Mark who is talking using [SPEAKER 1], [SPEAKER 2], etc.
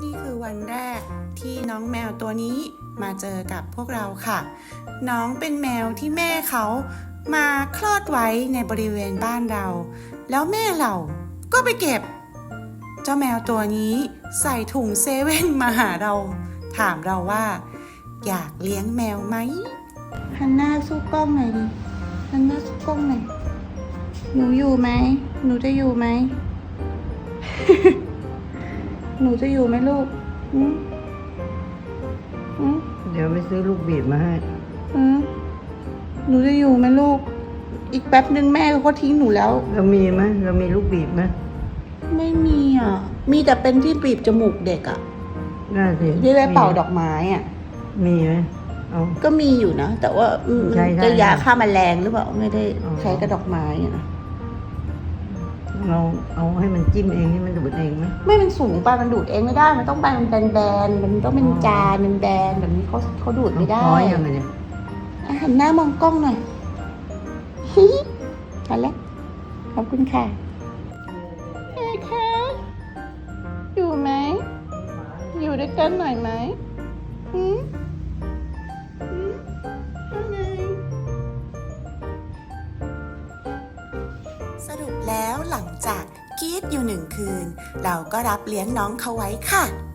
[SPEAKER 1] นี่คือวันแรกที่น้องแมวตัวนี้มาเจอกับพวกเราค่ะน้องเป็นแมวที่แม่เขามาคลอดไว้ในบริเวณบ้านเราแล้วแม่เราก็ไปเก็บเจ้าแมวตัวนี้ใส่ถุงเซเว่นมาหาเราถามเราว่าอยากเลี้ยงแมวไหมหันหน้าสู้กล้องหน่อยดิหันหน้าสู้กล้องหน่อยหนูอยู่ไหมหนูจะอยู่ไหม หนูจะอยู่ไหมลูก
[SPEAKER 2] เดี๋ยวไปซื้อลูกบีบมาให้
[SPEAKER 1] หนูจะอยู่ไหมลูกอีกแป๊บนึงแม่ก็ทิ้งหนูแล้ว
[SPEAKER 2] เรามีไหมเรามีลูกบีบไหม
[SPEAKER 1] ไม่มีอ่ะมีแต่เป็นที่บีบจมูกเด็กอ่ะ
[SPEAKER 2] น่าสิ
[SPEAKER 1] ที่ไว้เป่าดอกไม้อ่ะ
[SPEAKER 2] มีไหมเอา
[SPEAKER 1] ก็มีอยู่นะแต่ว่า
[SPEAKER 2] ใช่
[SPEAKER 1] จะยาฆ่าแมลงหรือเปล่าไม่ได้ใช้กับดอกไม้อ่ะนะ
[SPEAKER 2] เราเอาให้มันจิ้มเองให้มันดูดเองไหม
[SPEAKER 1] ไม่มันสูงไปมันดูดเองไม่ได้มันต้องใบมันแบนๆมันต้องเป็นจานเป็นแบนแบบนี้เขาดูดไม่ได้
[SPEAKER 2] พอยังไงเนี่ย
[SPEAKER 1] หันหน้ามองกล้องหน่อยฮิทันแล้วขอบคุณค่ะเฮ้ค่ะอยู่ไหมอยู่ด้วยกันหน่อยไหมสรุปแล้วหลังจากกรีดอยู่1 คืนเราก็รับเลี้ยงน้องเขาไว้ค่ะ